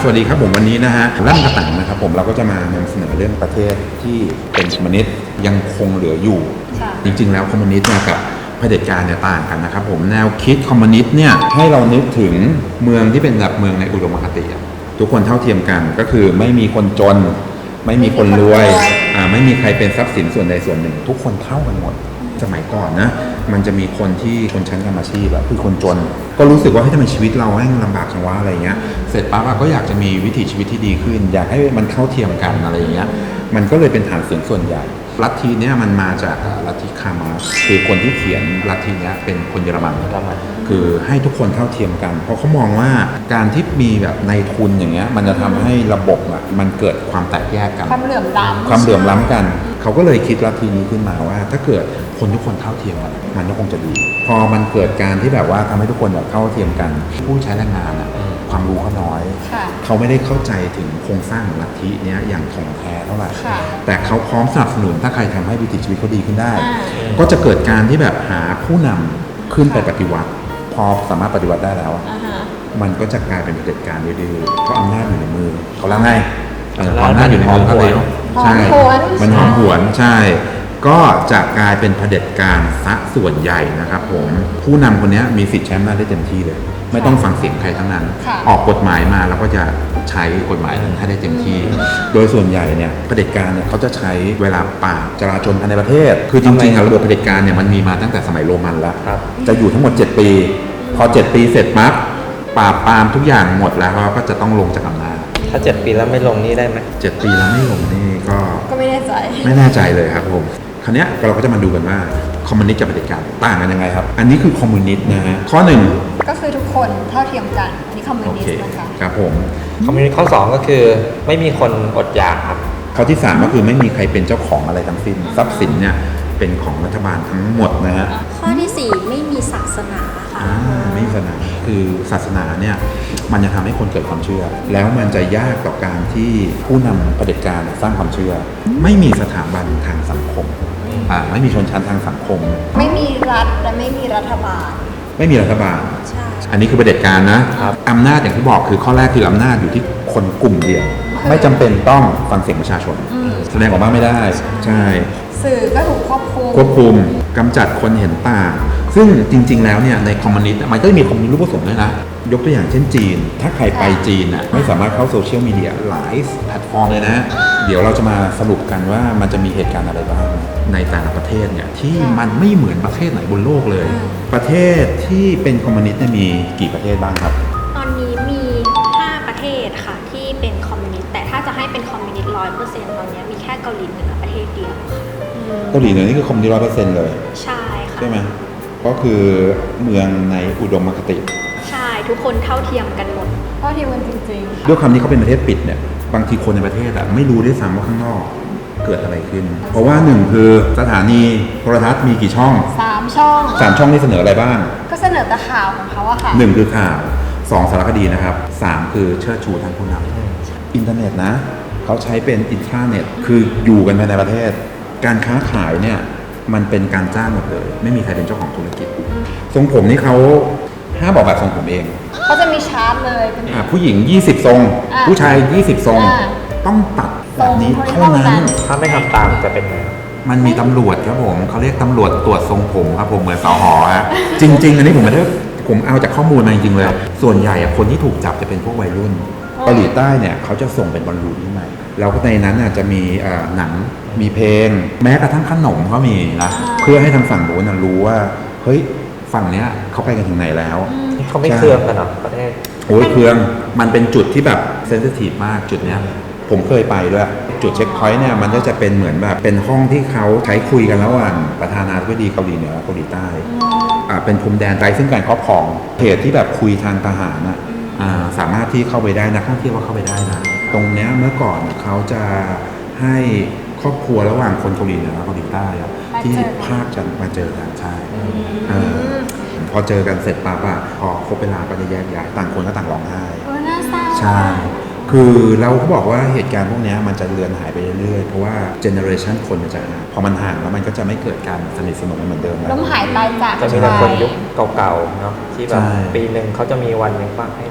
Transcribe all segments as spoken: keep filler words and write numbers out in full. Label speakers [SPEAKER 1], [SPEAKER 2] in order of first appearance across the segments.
[SPEAKER 1] สวัสดีครับผมวันนี้นะฮะลั่นกระตังนะครับผมเราก็จะมานำเสนอเรื่องประเทศที่เป็นคอมมิวนิสต์ยังคงเหลืออยู่จริงๆแล้วคอมมิวนิสต์เนี่ยกับเผด็จการเนี่ยต่างกันนะครับผมแนวคิดคอมมิวนิสต์เนี่ยให้เรานึกถึงเมืองที่เป็นแบบเมืองในอุดมคติทุกคนเท่าเทียมกันก็คือไม่มีคนจนไม่มีคนรวยอ่าไม่มีใครเป็นทรัพย์สินส่วนใดส่วนหนึ่งทุกคนเท่ากันหมดสมัยก่อนนะมันจะมีคนที่คนชั้นกรรมอาชีพแบบคือคนจนก็รู้สึกว่าให้ทำไมชีวิตเราแม่งลำบากจังวะอะไรเงี้ยเสร็จปั๊บก็อยากจะมีวิถีชีวิตที่ดีขึ้นอยากให้มันเท่าเทียมกันอะไรเงี้ยมันก็เลยเป็นฐานเสียงส่วนใหญ่ลัทธิเนี้ยมันมาจากลัทธิคาร์มาร์กซ์คือคนที่เขียนลัทธิเนี้ยเป็นคนเยอรมันคือให้ทุกคนเท่าเทียมกันเพราะเขามองว่าการที่มีแบบในทุนอย่างเงี้ยมันจะทำให้ระบบอ่ะมันเกิดความแตกแยกกัน
[SPEAKER 2] ความเหลื่อมล้ำ
[SPEAKER 1] ความเหลื่อมล้ำกันเขาก็เลยคิดลัทธินี้ขึ้นมาว่าถ้าเกิดคนทุกคนเท่าเทียมกันมันก็คงจะดีพอมันเกิดการที่แบบว่าทำให้ทุกคนแบบเท่าเทียมกันผู้ใช้แรงงานอ่ะความรู้เขาน้อยเขาไม่ได้เข้าใจถึงโครงสร้างลัทธิเนี้ยอย่างถ่องแท้เท่าไหร่แต่เขาพร้อมสนับสนุนถ้าใครทำให้วิถีชีวิตเขาดีขึ้นได้ก็จะเกิดการที่แบบหาผู้นำขึ้นไปปฏิวัติพอสามารถปฏิวัติได้แล้วมันก็จะกลายเป็นเผด็จการดื้อๆเพราะอำนาจอยู่ในมือเขาแล้วไงอำนาจอยู่ในมือเขาเลยใช่มันหอมหวนใช่ก็จะกลายเป็นเผด็จการซะส่วนใหญ่นะครับผมผู้นำคนนี้มีสิทธิ์ใช้อำนาจได้เต็มที่เลยไม่ต้องฟังเสียงใครทั้งนั้นออกกฎหมายมาแล้วก็จะใช้กฎหมายนั้นให้ได้เต็มที่โดยส่วนใหญ่เนี่ยเผด็จการเนี่ยเขาจะใช้เวลาปราบจราจนภายในประเทศคือจริงๆระบบเผด็จการเนี่ยมันมีมาตั้งแต่สมัยโรมันแล้วจะอยู่ทั้งหมดเจ็ดปีพอเจ็ดปีเสร็จปั๊บปราบปรามทุกอย่างหมดแล้วก็จะต้องลงจากอำนาจ
[SPEAKER 3] ถ้าเจ็ดปีแล้วไม่ลงนี่ได้ไหม
[SPEAKER 1] เจ็ดปีแล้วไม่ลงนี่ก็
[SPEAKER 2] ก็ไม่แน่ใจ
[SPEAKER 1] ไม่แน่ใจเลยครับผมคราวนี้เราก็จะมาดูกันว่าคอมมิวนิสต์กับเผด็จการต่างกันยังไงครับอันนี้คือคอมมิวนิสต์นะฮะข้อหนึ่ง
[SPEAKER 2] ก็คือทุกคนเท่าเทียมกันนี่คอมมิวนิสต์นะคะ
[SPEAKER 1] ครับผม
[SPEAKER 3] คอมมิวนิสต์ข้อสองก็คือไม่มีคนอดอยากครับ
[SPEAKER 1] ข้อที่สามก็คือไม่มีใครเป็นเจ้าของอะไรทั้งสิ้นทรัพย์สินเนี่ยเป็นของรัฐบาลทั้งหมดนะฮะ
[SPEAKER 4] ข้อที่สี่ไม่มีศาสนาค่ะ
[SPEAKER 1] อ่าไม่มีศาสนาคือศาสนาเนี่ยมันจะทำให้คนเกิดความเชื่อแล้วมันจะยากต่อการที่ผู้นำเผด็จการสร้างความเชื่อไม่มีสถาบันทางสังคมอ่าไม่มีชนชั้นทางสังคม
[SPEAKER 2] ไม่มีรัฐและไม่มีรัฐบาล
[SPEAKER 1] ไม่มีรัฐบาล
[SPEAKER 4] ใช่
[SPEAKER 1] อันนี้คือเผด็จการนะอำนาจอย่างที่บอกคือข้อแรกคืออำนาจอยู่ที่คนกลุ่มเดียวไม่จำเป็นต้องฟังเสียงประชาชนแสดงออกมาไม่ได้ใช่
[SPEAKER 2] สื่อก็ถูกควบคุม
[SPEAKER 1] ควบคุมกำจัดคนเห็นต่างซึ่งจริงๆแล้วเนี่ยในคอมมิวนิสต์มันก็จะมีคอมมิวนิสต์รูปผสมด้วยนะยกตัวอย่างเช่นจีนถ้าใครไปจีนน่ะไม่สามารถเข้าโซเชียลมีเดียหลายแพลตฟอร์มเลยนะเดี๋ยวเราจะมาสรุปกันว่ามันจะมีเหตุการณ์อะไรบ้างในแต่ละประเทศเนี่ยที่มันไม่เหมือนประเทศไหนบนโลกเลยประเทศที่เป็นคอมมิวนิสต์เนี่ยมีกี่ประเทศบ้างครับ
[SPEAKER 4] ตอนนี้มีห้าประเทศค่ะที่เป็นคอมมิวนิสต์แต่ถ้าจะให้เป็นคอมมิวนิสต์ร้อยเปอร์เซ็นต์ตอนนี้มีแค่เกาหลีเหนือประเทศเดียว
[SPEAKER 1] เกาหลีเหนือนี่คือคอมมิวนิสต์ร้อยเปอร์เซ็นต์เลย
[SPEAKER 4] ใช่ค่ะ
[SPEAKER 1] ใช่ไหมก็คือเมืองในอุดมคติ
[SPEAKER 4] ใช่ทุกคนเท่าเทียมกันหมด
[SPEAKER 2] เท่าเทียมกันจริง
[SPEAKER 1] ๆด้วยคำนี้เขาเป็นประเทศปิดเนี่ยบางทีคนในประเทศอะไม่รู้ด้วยซ้ำว่าข้างนอกเกิดอะไรขึ้นเพราะว่าหนึ่งคือสถานีโทรทัศน์มีกี่ช่อง
[SPEAKER 2] สามช่อง
[SPEAKER 1] สามช่องนี่เสนออะไรบ้าง
[SPEAKER 2] ก็เสนอแต่ข่าวของเขาอะค่ะ
[SPEAKER 1] หนึ่งคือข่าวสองสารคดีนะครับสามคือเชิดชูทางผู้นำอินเทอร์เน็ตนะเขาใช้เป็นอินทราเน็ตคืออยู่กันภายในประเทศการค้าขายเนี่ยมันเป็นการจ้างหมดเลยไม่มีใครเป็นเจ้าของธุรกิจทรงผมนี่เขาห้ามบอกแบบทรงผมเอง
[SPEAKER 2] เขาจะมีชาร์ตเลยเป็น
[SPEAKER 1] ผู้หญิงยี่สิบทรงผู้ชายยี่สิบทรงต้องตัดแบบนี้เท่านั้น
[SPEAKER 3] ถ้าไม่ทำตามจะเป็นไง
[SPEAKER 1] มันมีตำรวจครับผมเขาเรียกตำรวจตรวจทรงผมครับผมเหมือนสหอฮะจริงๆอันนี้ผมไม่ได้ผมเอาจากข้อมูลมาจริงๆเลยส่วนใหญ่คนที่ถูกจับจะเป็นพวกวัยรุ่นเกาหลีใต้เนี่ยเขาจะส่งเป็นบอลลูนที่ใหม่แล้วในนั้นจะมีหนังมีเพลงแม้กระทั่งขนมก็มีนะเพื่อให้ทางฝั่งโน้นรู้ว่าเฮ้ยฝั่งเนี้ยเขาไปกันถึงไหนแล้ว
[SPEAKER 3] เขาไม่เครืองกันหรอประเทศ
[SPEAKER 1] โอ้ยเครืองมันเป็นจุดที่แบบเซนซิทีฟมากจุดเนี้ยผมเคยไปด้วยจุดเช็คพอยต์เนี่ยมันก็จะเป็นเหมือนแบบเป็นห้องที่เขาใช้คุยกันระหว่างประธานาธิบดีเกาหลีเหนือเกาหลีใต้อ่าเป็นพรมแดนไร้ซึ่งการครอบครองเหตุที่แบบคุยทางทหารนะอ่าสามารถที่เข้าไปได้นักท่องเที่ยวก็เข้าไปได้นะตรงเนี้ยเมื่อก่อนเขาจะให้ครอบครัวระหว่างคนเกาหลีเหนือเกาหลีใต้ที่ภาคจะมาเจอกันใช่พอเจอกันเสร็จปั๊บอะพอครบเวลาก็จะแยกย้ายต่างคนก็ต่างร้องไห้ใช่คือเราก็บอกว่าเหตุการณ์พวกนี้มันจะเลือนหายไปเรื่อยๆเพราะว่าเจเนอเรชันคนมันจะห่างพอมันห่างแล้วมันก็จะไม่เกิดการสนิทสนมเหมือนเดิมแล้ว
[SPEAKER 2] ล้มหายตายจาก
[SPEAKER 3] จะมีแต่คนยุคเก่าๆเนาะที่แบบปีหนึ่งเขาจะมีวันหนึ่งว่าให้ให้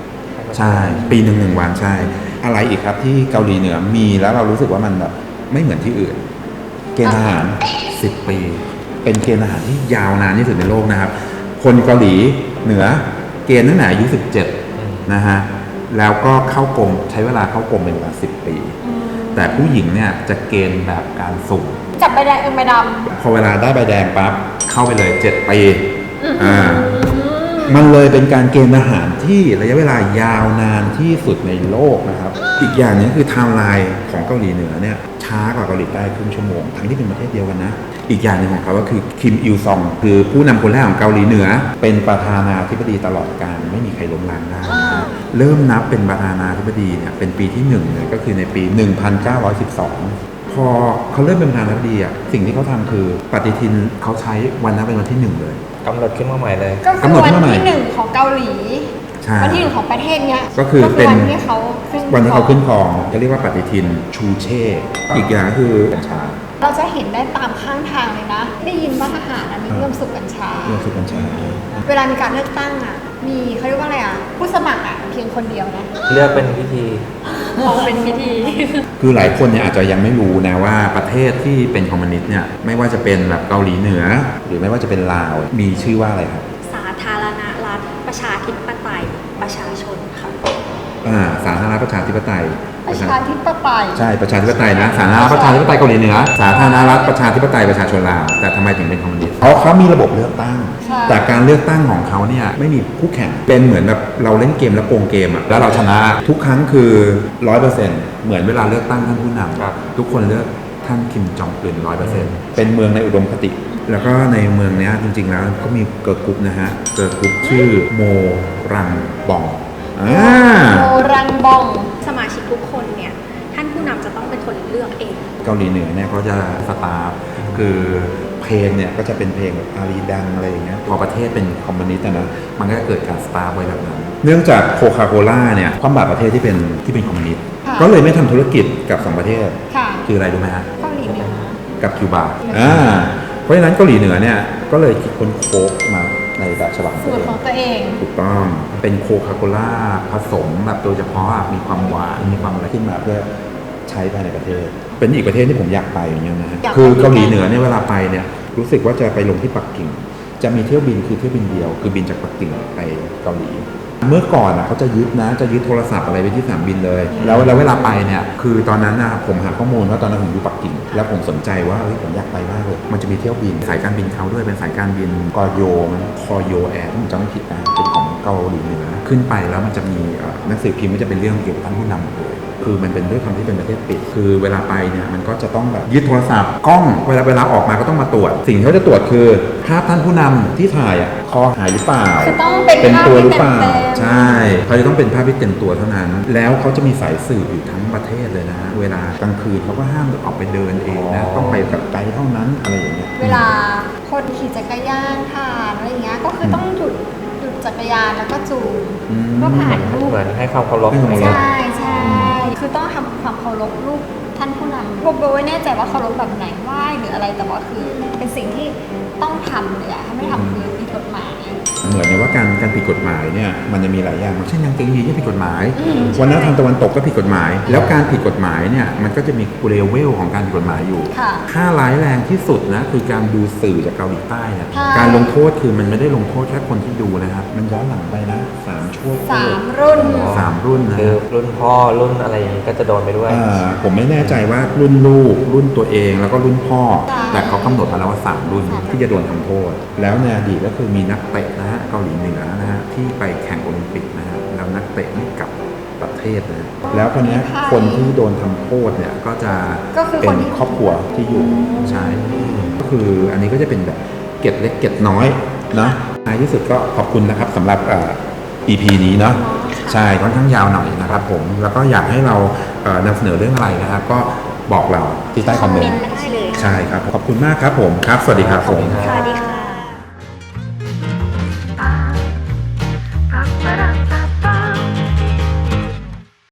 [SPEAKER 1] ใช่ ปีหนึ่งหนึ่งวันใช่ อะไรอีกครับที่เกาหลีเหนือมีแล้วเรารู้สึกว่ามันแบบไม่เหมือนที่อื่น เกณฑ์ทหารสิบปี เป็นเกณฑ์ทหารที่ยาวนานที่สุดในโลกนะครับ คนเกาหลีเหนือเกณฑ์ตั้งแต่อายุสิบเจ็ดนะฮะแล้วก็เข้ากรมใช้เวลาเข้ากรมเป็นเวลาสิบปี แต่ผู้หญิงเนี่ยจะเกณฑ์แบบการสุ่ม
[SPEAKER 2] จับใบแดงเอ็มใบด
[SPEAKER 1] พอเวลาได้ใบแดงปั๊บเข้าไปเลยเจ็ดปีอ่ามันเลยเป็นการเกณฑ์ทหารที่ระยะเวลายาวนานที่สุดในโลกนะครับ อีกอย่างหนึงคือไทม์ไลน์ของเกาหลีเหนือเนี่ยช้ากว่าเกาหลีใต้ครึ่งชั่วโมงทั้งที่เป็นประเทศเดียวกันนะ อีกอย่างหนึ่งของเขาก็คือคิมอิลซองคือผู้นำคนแรกของเกาหลีเหนือ เป็นประธานาธิบดีตลอดกาลไม่มีใครล้มล้างได้นะเริ่มนับเป็นประธานาธิบดีเนี่ยเป็นปีที่หนึ่งเลยก็คือในปี หนึ่งพันเก้าร้อยสิบสอง พอเขาเริ่มเป็นประธานาธิบดีอ่ะสิ่งที่เขาทำคือปฏิทินเขาใช้วันนั้นเป็นวันที่หนึ่งเลย
[SPEAKER 3] กำหนดขึ้นมาใหม่เลย
[SPEAKER 2] ำก็คื
[SPEAKER 1] กำ
[SPEAKER 2] อ
[SPEAKER 1] หนด
[SPEAKER 2] วั
[SPEAKER 1] ขึ้นมาใหม่
[SPEAKER 2] ที่หนึ่งของเกาหลี
[SPEAKER 1] ใช่
[SPEAKER 2] วันที่หนึ่งของประเทศเนี้ย
[SPEAKER 1] ก็คือเป็น
[SPEAKER 2] วันที่เขาขึ้น
[SPEAKER 1] วันที่เขาขึ้นครองจะเรียกว่าปฏิทินชูเช่ อีกอย่างก็คือกัญชา
[SPEAKER 2] เราจะเห็นได้ตามข้างทางเลยนะ ได้ยินว่าทหารอันนี้เริ่มสูบกัญชา
[SPEAKER 1] เรื่องสูบกัญชา
[SPEAKER 2] เวลามีการเลือกตั้งอ่ะ มีเขาเรียกว่าอะไรอ่ะ ผู้สมัครอ่ะเพียงคนเดียวนะ
[SPEAKER 3] เลือกเป็นพิธี
[SPEAKER 2] มองเป็นพิธี
[SPEAKER 1] คือหลายคนเนี่ยอาจจะยังไม่รู้นะว่าประเทศที่เป็นคอมมิวนิสต์เนี่ยไม่ว่าจะเป็นแบบเกาหลีเหนือ หรือไม่ว่าจะเป็นลาวมีชื่อว่าอะไรครับ
[SPEAKER 4] สาธารณรัฐประชาธิปไตยประชาชนค่ะ
[SPEAKER 1] อ่าสาธารณรัฐประชาธิปไตย
[SPEAKER 2] ประชาธิปไตย
[SPEAKER 1] ใช่ประชาธิปไตยนะสาธารณรัฐประชาธิปไตยเกาหลีเหนือสาธารณรัฐประชาธิปไตยประชาชนลาวแต่ทำไมถึงเป็นคอมมิวนิสต์เพราะเขามีระบบเลือกตั้ง
[SPEAKER 2] ใช่
[SPEAKER 1] แต่การเลือกตั้งของเขาเนี่ยไม่มีคู่แข่งเป็นเหมือนแบบเราเล่นเกมแล้วโกงเกมอะแล้วเราชนะทุกครั้งคือร้อยเปอร์เซ็นต์เหมือนเวลาเลือกตั้งท่านผู้น
[SPEAKER 3] ครับ
[SPEAKER 1] ำทุกคนเลือกท่านคิมจองอึนร้อยเปอร์เซ็นต์เป็นเมืองในอุดมคติ แล้วก็ในเมืองเนี้ยจริงๆแล้วก็มีเกิร์ลกรุ๊ปนะฮะเกิร์ลกรุ๊ปชื่อโมรังบองอ่า
[SPEAKER 2] โมรังบอง
[SPEAKER 4] สมาชิกทุกคนเนี่ยท่านผู้นำจะต้องเป็นคนเลือกเอง
[SPEAKER 1] เกาหลีเหนือเนี่ยเขาจะสตาร์ฟคือเพลงเนี่ยก็จะเป็นเพลงแบบอารีดังอะไรอย่างเงี้ยพอประเทศเป็นคอมมิวนิสต์อะนะมันก็เกิดการสตาร์ฟไว้แบบนั้น เนื่องจากโคคาโคล่าเนี่ยความบาดประเทศที่เป็นที่เป็นคอมมิวนิสต์
[SPEAKER 2] ค่ะ
[SPEAKER 1] ก็เลยไม่ทำธุรกิจกับสองประเทศ
[SPEAKER 2] ค่ะ
[SPEAKER 1] คืออะไรรู้ไหมฮะ
[SPEAKER 2] เกาหลีเหนือ
[SPEAKER 1] กับคิวบาอ่าเพราะฉะนั้นเกาหลีเหนือเนี่ยก็เลยคิดค้นโค้กมาในแบบฉบับของ
[SPEAKER 2] สู
[SPEAKER 1] ตัว
[SPEAKER 2] ตร
[SPEAKER 1] เอง
[SPEAKER 2] ของตัวเอง
[SPEAKER 1] ถูกต้องเป็นโคคาโคล่าผสมแบบโดยเฉพาะมีความหวานมีความอะไรขึ้นมาเพื่อใช้ภายในประเทศ เป็นอีกประเทศที่ผมอยากไปอย่างเงี้ยนะฮะ
[SPEAKER 2] อยากไป
[SPEAKER 1] คือเกาหลีเหนือเนี่ยเวลาไปเนี่ยรู้สึกว่าจะไปลงที่ปักกิ่ง จะมีเที่ยวบินคือเที่ยวบินเดียว คือบินจากปักกิ่งไปเกาหลี เมื่อก่อนอ่ะเขาจะยึดนะจะยึดโทรศัพท์อะไรไปที่สนามบินเลย แล้วแล้วเวลาไปเนี่ยคือตอนนั้นนะผมหาข้อมูลว่าตอนนั้นผมอยู่ปักกิ่ง แล้วผมสนใจว่าเฮ้ยผมอยากไปมากเลยมันจะมีเที่ยวบินสายการบินเขาด้วยเป็นสายการบินกอโยมันคอโยแอร์ผมจำไม่ผิดนะเป็นของเกาหลีเหนือขึ้นไปแล้วมันจะมีเอ่อหนังสือพิมพ์มันจะเป็นเรื่องเกี่ยวกับท่านผู้นำหมดเลยคือมันเป็นด้วยความที่เป็นประเทศปิด คือเวลาไปเนี่ยมันก็จะต้องแบบยึดโทรศัพท์กล้องเวลาเวลาออกมาก็ต้องมาตรวจ สิ่งที่เขาจะตรวจคือภาพท่านผู้นำที่ถ่ายอ่ะคอหายหรือเปล่า
[SPEAKER 2] คือต้องเป็น
[SPEAKER 1] เป็น
[SPEAKER 2] ภาพ
[SPEAKER 1] ตัว
[SPEAKER 2] ที่
[SPEAKER 1] หรือเปล่า
[SPEAKER 2] เต็มๆ
[SPEAKER 1] ใช่ เขาจะต้องเป็นภาพที่เต็มตัวเท่านั้น แล้วเขาจะมีสายสืบอยู่ทั้งประเทศเลยนะฮะ เวลากลางคืนเขาก็ห้ามออกไปเดินเองนะ ต้องไปกับไกด์เท่านั้นอะไรอย่างเงี้ย
[SPEAKER 2] เวลาคนขี่จักรยานผ่านอะไรอย่างเงี้ย ก็คือต้องหยุดหยุดจักรยานแล้วก็จูง
[SPEAKER 1] อืม
[SPEAKER 2] เพื่อผ่านรูป
[SPEAKER 3] เหมือนให้ความเคารพ
[SPEAKER 1] ให้ความเคารพ
[SPEAKER 2] ใช่ใช่คือต้องทำความเคารพรูปท่านผู้นำผมไม่แน่ใจว่าเคารพแบบไหนไหว้หรืออะไรแต่ว่าคือ เป็นสิ่งที่ต้องทำเลยอะถ้าไม่ทำคือผิดกฎหมาย
[SPEAKER 1] เหมือนในว่าการการผิดกฎหมายเนี่ยมันจะมีหลายอย่างเช่นยังเกงยีนก็ผิดกฎหมาย
[SPEAKER 2] อืม
[SPEAKER 1] วันนั้นทางตะวันตกก็ผิดกฎหมาย แล้วการผิดกฎหมายเนี่ยมันก็จะมีเลเวลของการผิดกฎหมายอยู่
[SPEAKER 2] ค่ะ
[SPEAKER 1] ค่าร้ายแรงที่สุดนะคือการดูสื่อจากเกาหลีใต้เนี่ย
[SPEAKER 2] ใช่
[SPEAKER 1] การลงโทษคือมันไม่ได้ลงโทษแค่คนที่ดูนะครับ มันย้อนหลังไปนะสามชั่วโค
[SPEAKER 2] สา
[SPEAKER 1] ตร
[SPEAKER 2] มรุ่น
[SPEAKER 1] สามรุ่นนะ
[SPEAKER 3] คือรุ่นพ่อรุ่นอะไรอย่างนี้ก็จะโดนไปด้วย
[SPEAKER 1] อ่าผมไม่แน่ใจว่ารุ่นลูกรุ่นตัวเองแล้วก็รุ่นพ่อ
[SPEAKER 2] ใช่
[SPEAKER 1] แต่เขากำหนดมาแล้วว่าสามรุ่น
[SPEAKER 2] สามรุ่น
[SPEAKER 1] ที่จะโดนทำโทษ แล้วในอดีตก็คือมีนักเตะนะฮะเกาหลีเหนือนะฮะที่ไปแข่งโอลิมปิกนะฮะแล้วนักเตะไม่กลับประเทศนะแล้วคนนี้ยคนที่โดนทำโทษเนี่ยก็จะ
[SPEAKER 2] ก็คือ
[SPEAKER 1] เป็
[SPEAKER 2] คน
[SPEAKER 1] น
[SPEAKER 2] ที่
[SPEAKER 1] ครอบครัวที่อยู่ใช่ก็คืออันนี้ก็จะเป็นแบบเกร็ดเล็กเกร็ดน้อยนะท้ายที่สุดก็ขอบคุณนะครับสำหรับเอ่อ อี พี นี้เนาะใช่ค่อนข้างยาวหน่อยนะครับผมแล้วก็อยากให้เราเอ่อนำเสนอเรื่องอะไรนะครับก็บอกเราที่ใต้คอมเมนต์
[SPEAKER 4] ได้เลยค่ะ
[SPEAKER 1] ใช่ครับขอบคุณมากครับผมครับ สวัสดีครับผม
[SPEAKER 4] สวัสดีค่ะ